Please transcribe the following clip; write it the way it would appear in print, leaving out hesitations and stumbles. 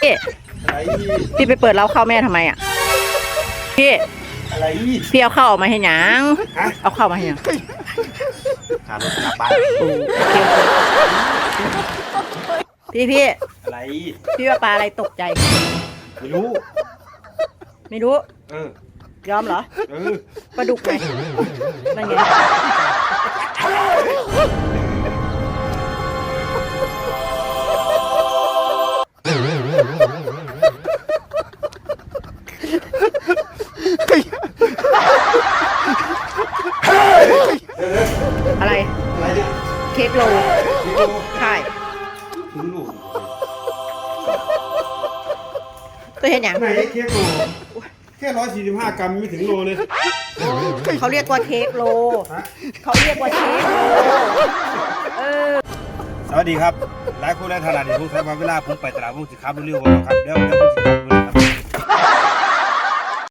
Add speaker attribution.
Speaker 1: พี่พี่ไปเปิดเล้าข้าวแม่ทำไมอ่ะพี่
Speaker 2: อะไร
Speaker 1: พี่เอาข้าวออกมาให้หยังเอาข้าวมาให้หยัง
Speaker 2: หารถกลับบ้าน
Speaker 1: พี่
Speaker 2: อะไร
Speaker 1: พี่ว่าปลาอะไรตกใจ
Speaker 2: ไม่รู้
Speaker 1: ไม่รู้
Speaker 2: เออย
Speaker 1: อมเหรอ
Speaker 2: เออ
Speaker 1: ปลาดุกไงนั่นไงอะไร
Speaker 2: อะไรเนี่ย
Speaker 1: เค้กโลใช่
Speaker 2: ถึงลูก
Speaker 1: ตัวเห็นอย่าง
Speaker 2: ไหนเค้กโลแค่145 กรัมไม่ถึงโลเลย
Speaker 1: เขาเรียกว่าเค้กโลเขาเรียกว่าเค้กโล
Speaker 2: สวัสดีครับหลายคนหลายท่านอาจจะสงสัยว่าเวลาผมไปตลาดผมสิครับเร็วๆบ่ครับเดี๋ยวผมสิครับ